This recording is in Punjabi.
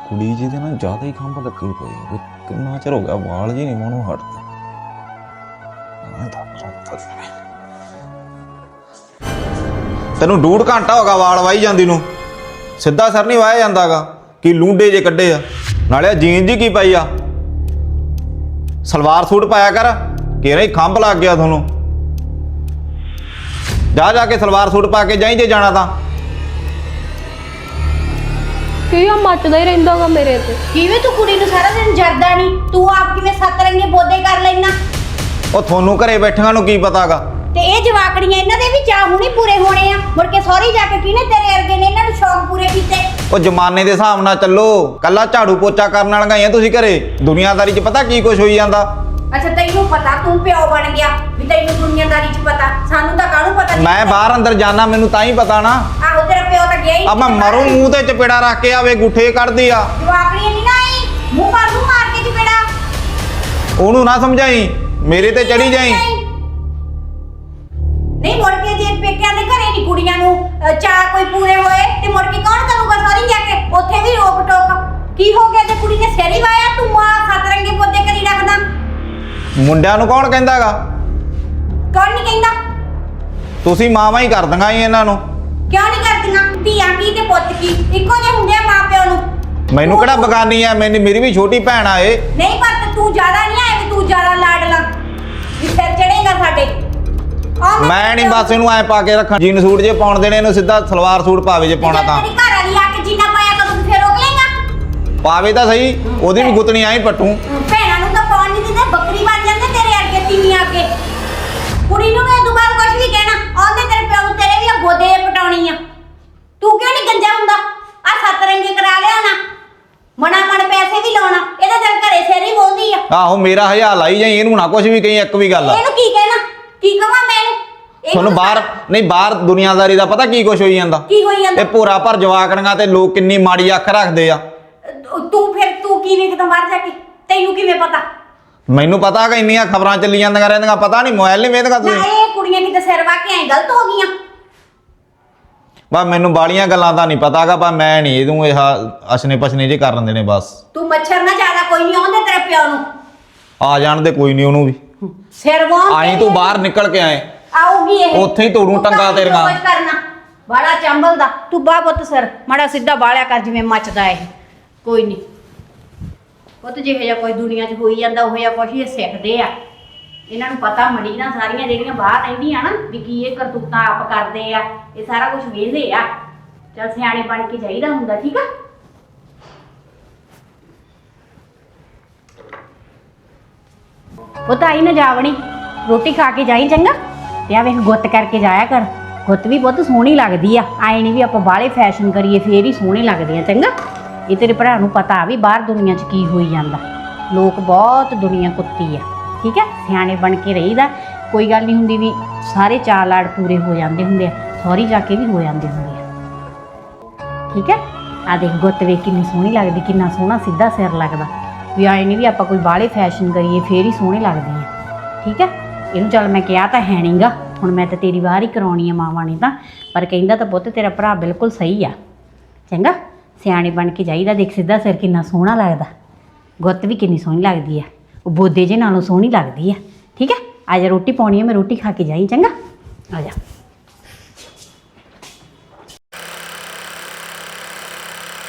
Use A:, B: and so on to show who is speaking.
A: ਕੁੜੀ ਜਿਹਦੇ ਨਾਲ ਜ਼ਿਆਦਾ ਹੀ ਖੰਭ ਲੱਗੀ ਪਈ ਹੈ ਵੀ ਕਿੰਨਾ ਚਿਰ ਹੋ ਗਿਆ ਵਾਲ ਜੀ ਨਹੀਂ ਮੂੰਹੋਂ ਹਟਦੇ। ਤੈਨੂੰ ਡੂਢ ਘੰਟਾ ਹੋ ਗਿਆ ਵਾਲ ਵਾਈ ਜਾਂਦੀ ਨੂੰ, ਸਿੱਧਾ ਸਰ ਨਹੀਂ ਵਾਇਆ ਜਾਂਦਾਗਾ। ਕੀ ਲੂੰਡੇ ਜੇ ਕੱਢੇ ਆ, ਨਾਲੇ ਜੀਨ ਜੀ ਕੀ ਪਾਈ ਆ, ਸਲਵਾਰ ਸੂਟ ਪਾਇਆ ਕਰ, ਕਿਹੜਾ ਹੀ ਖੰਭ ਲੱਗ ਗਿਆ ਤੁਹਾਨੂੰ। ਜਾ ਕੇ ਸਲਵਾਰ ਸੂਟ ਪਾ ਕੇ ਜਾਈਂ ਜੇ ਜਾਣਾ ਤਾਂ।
B: ਕੀ ਆ ਮੱਚਦਾ ਹੀ ਰਹਿੰਦਾਗਾ ਮੇਰੇ ਤੇ।
C: ਕਿਵੇਂ ਤੂੰ ਕੁੜੀ ਨੂੰ ਸਾਰਾ ਦਿਨ ਜਰਦਾ ਨਹੀਂ, ਤੂੰ ਆਪ ਕਿਵੇਂ ਸੱਤ ਰੰਗੇ ਬੋਦੇ ਕਰ ਲੈਣਾ।
A: ਉਹ ਤੁਹਾਨੂੰ ਘਰੇ ਬੈਠਿਆਂ ਨੂੰ ਕੀ ਪਤਾਗਾ।
C: ਤੇ ਇਹ ਜਵਾਕੜੀਆਂ ਇਹਨਾਂ ਦੇ ਵੀ ਚਾਹ ਹੁਣੀ ਪੂਰੇ ਹੋਣੇ ਆ, ਮੁੜ ਕੇ ਸਹੁਰੇ ਜਾ ਕੇ ਕਿਹਨੇ ਤੇਰੇ ਵਰਗੇ ਨੇ ਇਹਨਾਂ ਨੂੰ ਸ਼ੌਕ ਪੂਰੇ ਕੀਤੇ।
A: ਉਹ ਜ਼ਮਾਨੇ ਦੇ ਹਿਸਾਬ ਨਾਲ ਚੱਲੋ, ਕੱਲਾ ਝਾੜੂ ਪੋਚਾ ਕਰਨ ਵਾਲੀਆਂ ਹੀ ਆ ਤੁਸੀਂ ਘਰੇ, ਦੁਨੀਆਦਾਰੀ 'ਚ ਪਤਾ ਕੀ ਕੁਝ ਹੋਈ ਜਾਂਦਾ।
C: ਅੱਛਾ ਤੈਨੂੰ ਪਤਾ, ਤੂੰ ਪਿਓ ਬਣ ਗਿਆ ਵੀ ਤੈਨੂੰ ਦੁਨੀਆਦਾਰੀ 'ਚ ਪਤਾ, ਸਾਨੂੰ ਤਾਂ ਕਾਹਨੂੰ ਪਤਾ।
A: ਮੈਂ ਬਾਹਰ ਅੰਦਰ ਜਾਣਾ, ਮੈਨੂੰ ਤਾਂ ਹੀ ਪਤਾ ਨਾ।
C: ਆਹੋ ਤੇਰਾ ਪਿਓ ਤਾਂ ਗਿਆ ਹੀ।
A: ਆ ਮੈਂ ਮਰੂ ਮੂੰਹ ਤੇ ਚਪੇੜਾ ਰੱਖ ਕੇ ਆਵੇ ਗੁੱਠੇ ਕੱਢਦੀ ਆ।
C: ਜਵਾਕੜੀਆਂ ਨਹੀਂ ਨਾ ਆਈ, ਮੂੰਹ ਮਾਰ ਕੇ ਚਪੇੜਾ।
A: ਉਹਨੂੰ ਨਾ ਸਮਝਾਈ, ਮੇਰੇ ਤੇ ਚੜੀ ਜਾਈ।
C: ਨਹੀਂ ਮੁੜ ਕੇ ਜੇ ਪੇਕਿਆਂ ਦੇ ਘਰੇ ਨਹੀਂ ਕੁੜੀਆਂ ਨੂੰ ਚਾਹ ਕੋਈ ਪੂਰੇ ਹੋਏ ਤੇ ਮੁੜ ਕੇ ਕੌਣ ਕਰੂਗਾ ਸਹੁਰੇ ਜਾ ਕੇ, ਉੱਥੇ ਵੀ ਰੋਕ ਟੋਕ। ਕੀ ਹੋ ਗਿਆ ਜੇ ਕੁੜੀ ਨੇ ਸਿਰ ਹੀ ਵਾਇਆ, ਤੂੰ ਆ ਸੱਤ ਰੰਗੇ ਪੌਦੇ ਕਰੀ ਰੱਖਦਾ।
A: ਮੁੰਡਿਆਂ ਨੂੰ ਕੌਣ ਕਹਿੰਦਾਗਾ?
C: ਕੌਣ ਨਹੀਂ ਕਹਿੰਦਾ?
A: ਤੁਸੀਂ ਮਾਵਾਂ ਹੀ ਕਰ ਦਿੰਗਾ ਹੀ ਇਹਨਾਂ ਨੂੰ।
C: ਕਿਉਂ ਨਹੀਂ ਕਰਦੀਆਂ? ਧੀਆਂ ਕੀ ਤੇ ਪੁੱਤ ਕੀ ਇੱਕੋ ਜਿਹੇ ਹੁੰਦੇ ਆ ਮਾਂ ਪਿਓ ਨੂੰ।
A: ਮੈਨੂੰ ਕਿਹੜਾ ਬਗਾਨੀ ਆ, ਮੇਰੀ ਵੀ ਛੋਟੀ ਭੈਣ ਆ ਇਹ।
C: ਨਹੀਂ ਪਰ ਤੂੰ ਜ਼ਿਆਦਾ ਨਹੀਂ ਆਏ ਵੀ ਤੂੰ ਜ਼ਿਆਦਾ ਲਾਡਲਾ ਵੀ ਸਿਰ ਚੜੇਗਾ ਸਾਡੇ।
A: ਮੈਂ ਨਹੀਂ ਬਸ ਇਹਨੂੰ ਐ ਪਾ ਕੇ ਰੱਖਾਂ, ਜੀਨ ਸੂਟ ਜੇ ਪਾਉਣ ਦੇਣੇ, ਇਹਨੂੰ ਸਿੱਧਾ ਸਲਵਾਰ ਸੂਟ ਪਾਵੇ ਜੇ ਪਾਉਣਾ ਤਾਂ।
C: ਤੇਰੀ ਘਰ ਵਾਲੀ ਆ ਕੇ ਜੀਨਾ ਪਾਇਆ ਕਦੋਂ ਫੇਰ ਰੋਕ ਲੇਗਾ?
A: ਪਾਵੇ ਤਾਂ ਸਹੀ, ਉਹਦੀ ਵੀ ਗੁੱਤਣੀ ਆਈ ਪੱਟੂ।
C: ਭੈਣਾਂ ਨੂੰ ਤਾਂ ਪਾਉਣ ਨਹੀਂ ਦਿੰਦੇ, ਬੱਕਰੀ ਬਣ ਜਾਂਦੇ ਤੇਰੇ ਅੱਗੇ ਤੀਵੀਆਂ ਅੱਗੇ। ਕੁੜੀ ਨੂੰ ਮੈਂ ਦੁਬਾਰਾ ਕੁਝ ਵੀ ਕਹਿਣਾ, ਆਉਂਦੇ ਤੇਰੇ ਪਿਓ ਨੂੰ ਤੇਰੇ ਵੀ ਗੋਦੇ ਪਟਾਉਣੀ ਆ। ਤੂੰ ਕਿਉਂ ਨਹੀਂ ਗੰਜਾ ਹੁੰਦਾ? ਆ ਸੱਤ ਰੰਗੇ ਕਰਾ ਲਿਆ ਨਾ, ਮਣਾ ਮਣ ਪੈਸੇ ਵੀ ਲਾਉਣਾ, ਇਹਦਾ ਦਿਲ ਘਰੇ ਸਿਰ ਹੀ ਬੋਲਦੀ ਆ।
A: ਆਹੋ ਮੇਰਾ ਹਜ਼ਾਰ ਲਾਈ ਜਾਈ, ਇਹਨੂੰ ਨਾ ਕੁਝ ਵੀ ਕਹੀ, ਇੱਕ ਵੀ ਗੱਲ ਆ।
C: ਇਹਨੂੰ ਕੀ ਕਹਿਣਾ, ਕੀ ਕਹਾਂ ਮੈਂ ਇਹਨੂੰ?
A: ਤੁਹਾਨੂੰ ਬਾਹਰ ਨਹੀਂ, ਬਾਹਰ ਦੁਨੀਆਦਾਰੀ ਦਾ ਪਤਾ ਕੀ ਕੁਝ ਹੋਈ ਜਾਂਦਾ।
C: ਕੀ ਹੋਈ ਜਾਂਦਾ?
A: ਇਹ ਭੋਰਾ ਭਰ ਜਵਾਕੜੀਆਂ ਤੇ ਲੋਕ ਕਿੰਨੀ ਮਾੜੀ ਅੱਖ ਰੱਖਦੇ ਆ।
C: ਤੂੰ ਕੀ ਵੇਖਦਾ ਬਾਹਰ ਜਾ ਕੇ? ਤੈਨੂੰ ਕਿਵੇਂ ਪਤਾ?
A: ਮੈਨੂੰ ਪਤਾ ਹੈਗਾ, ਇੰਨੀਆਂ ਖਬਰਾਂ ਚੱਲੀ ਜਾਂਦੀਆਂ ਰਹਿੰਦੀਆਂ, ਪਤਾ ਨਹੀਂ ਮੋਬਾਈਲ ਨਹੀਂ ਵੇਖਦਾ
C: ਨਾ
A: ਤੁਸੀਂ।
C: ਇਹ ਕੁੜੀਆਂ ਕਿਤੇ ਸਿਰ ਵਾ ਕੇ ਐ ਗਲਤ ਹੋ ਗਈਆਂ।
A: ਬਸ ਮੈਨੂੰ ਬਾਲੀਆਂ ਗੱਲਾਂ ਦਾ ਨਹੀਂ ਪਤਾਗਾ, ਪਰ ਮੈਂ ਨਹੀਂ ਇਹਨੂੰ ਇਹ ਅਸਨੇ ਪਸਨੇ ਜੇ ਕਰਨ ਦੇਣੇ ਬਸ।
C: ਤੂੰ ਮੱਛਰ ਨਾ ਜ਼ਿਆਦਾ ਕੋਈ ਨਹੀਂ ਆਉਂਦੇ ਤੇਰੇ ਪਿਓ ਨੂੰ।
A: ਆ ਜਾਣ ਦੇ ਕੋਈ ਨਹੀਂ ਉਹਨੂੰ ਵੀ।
C: ਸਿਰ ਵਾਂ
A: ਆਈ ਤੂੰ ਬਾਹਰ ਨਿਕਲ ਕੇ ਆਏ,
C: ਆਉਗੀ ਇਹ
A: ਉੱਥੇ ਹੀ ਤੋੜੂ ਟੰਗਾ ਤੇਰੀਆਂ।
C: ਕੁਝ ਕਰਨਾ ਬੜਾ ਚੰਬਲਦਾ ਤੂੰ ਬਾ ਪੁੱਤ ਸਿਰ ਮਾੜਾ ਸਿੱਧਾ ਬਾਲਿਆ ਕਰ ਜਿਵੇਂ ਮੱਚਦਾ ਇਹ। ਕੋਈ ਨਹੀਂ ਪੁੱਤ, ਜਿਹੋ ਜਿਹਾ ਕੋਈ ਦੁਨੀਆ 'ਚ ਹੋਈ ਜਾਂਦਾ ਉਹ ਜਿਹਾ ਕੁਛ ਇਹ ਸਿੱਖਦੇ ਆ। ਇਹਨਾਂ ਨੂੰ ਪਤਾ ਮੜੀ ਨਾ ਸਾਰੀਆਂ ਜਿਹੜੀਆਂ ਬਾਹਰ ਰਹਿੰਦੀਆਂ ਨਾ ਵੀ ਕੀ ਇਹ ਕਰਤੂਤਾਂ ਆਪ ਕਰਦੇ ਆ, ਇਹ ਸਾਰਾ ਕੁਝ ਵੇਖਦੇ ਆ। ਚੱਲ ਸਿਆਣੇ ਬਣ ਕੇ ਚਾਹੀਦਾ ਹੁੰਦਾ, ਠੀਕ ਆ। ਪੁੱਤ ਆਈ ਨਾ ਜਾਵਣੀ, ਰੋਟੀ ਖਾ ਕੇ ਜਾਈ ਚੰਗਾ। ਤੇ ਆ ਵੇਖ ਗੁੱਤ ਕਰਕੇ ਜਾਇਆ ਕਰ, ਗੁੱਤ ਵੀ ਬਹੁਤ ਸੋਹਣੀ ਲੱਗਦੀ ਆ। ਆਏ ਨਹੀਂ ਵੀ ਆਪਾਂ ਬਾਹਲੇ ਫੈਸ਼ਨ ਕਰੀਏ ਫੇਰ ਹੀ ਸੋਹਣੇ ਲੱਗਦੇ ਆ ਚੰਗਾ। ਇਹ ਤੇਰੇ ਭਰਾ ਨੂੰ ਪਤਾ ਵੀ ਬਾਹਰ ਦੁਨੀਆ 'ਚ ਕੀ ਹੋਈ ਜਾਂਦਾ, ਲੋਕ ਬਹੁਤ ਦੁਨੀਆ ਕੁੱਤੀ ਆ, ਠੀਕ ਹੈ। ਸਿਆਣੇ ਬਣ ਕੇ ਰਹੀਦਾ, ਕੋਈ ਗੱਲ ਨਹੀਂ ਹੁੰਦੀ ਵੀ ਸਾਰੇ ਚਾਅ ਲਾੜ ਪੂਰੇ ਹੋ ਜਾਂਦੇ ਹੁੰਦੇ ਆ, ਸਹੁਰੀ ਜਾ ਕੇ ਵੀ ਹੋ ਜਾਂਦੇ ਹੁੰਦੇ ਆ, ਠੀਕ ਹੈ। ਆ ਦੇਖ ਗੁੱਤ ਵੇਖ ਕਿੰਨੀ ਸੋਹਣੀ ਲੱਗਦੀ, ਕਿੰਨਾ ਸੋਹਣਾ ਸਿੱਧਾ ਸਿਰ ਲੱਗਦਾ। ਵੀ ਆਏ ਨਹੀਂ ਵੀ ਆਪਾਂ ਕੋਈ ਬਾਹਲੇ ਫੈਸ਼ਨ ਕਰੀਏ ਫੇਰ ਹੀ ਸੋਹਣੇ ਲੱਗਦੇ ਆ, ਠੀਕ ਹੈ। ਇਹਨੂੰ ਚੱਲ ਮੈਂ ਕਿਹਾ ਤਾਂ ਹੈ ਨਹੀਂਗਾ, ਹੁਣ ਮੈਂ ਤਾਂ ਤੇਰੀ ਬਾਹਰ ਹੀ ਕਰਾਉਣੀ ਆ ਮਾਵਾਂ ਨੇ ਤਾਂ, ਪਰ ਕਹਿੰਦਾ ਤਾਂ ਪੁੱਤ ਤੇਰਾ ਭਰਾ ਬਿਲਕੁਲ ਸਹੀ ਆ ਚੰਗਾ। ਸਿਆਣੇ ਬਣ ਕੇ ਜਾਈਦਾ, ਦੇਖ ਸਿੱਧਾ ਸਿਰ ਕਿੰਨਾ ਸੋਹਣਾ ਲੱਗਦਾ, ਗੁੱਤ ਵੀ ਕਿੰਨੀ ਸੋਹਣੀ ਲੱਗਦੀ ਆ, ਉਹ ਬੋਦੇ ਜੇ ਨਾਲੋਂ ਸੋਹਣੀ ਲੱਗਦੀ ਆ, ਠੀਕ ਹੈ। ਆ ਜਾ ਰੋਟੀ ਪਾਉਣੀ ਆ, ਮੈਂ ਰੋਟੀ ਖਾ ਕੇ ਜਾਈ ਚੰਗਾ, ਆ ਜਾ।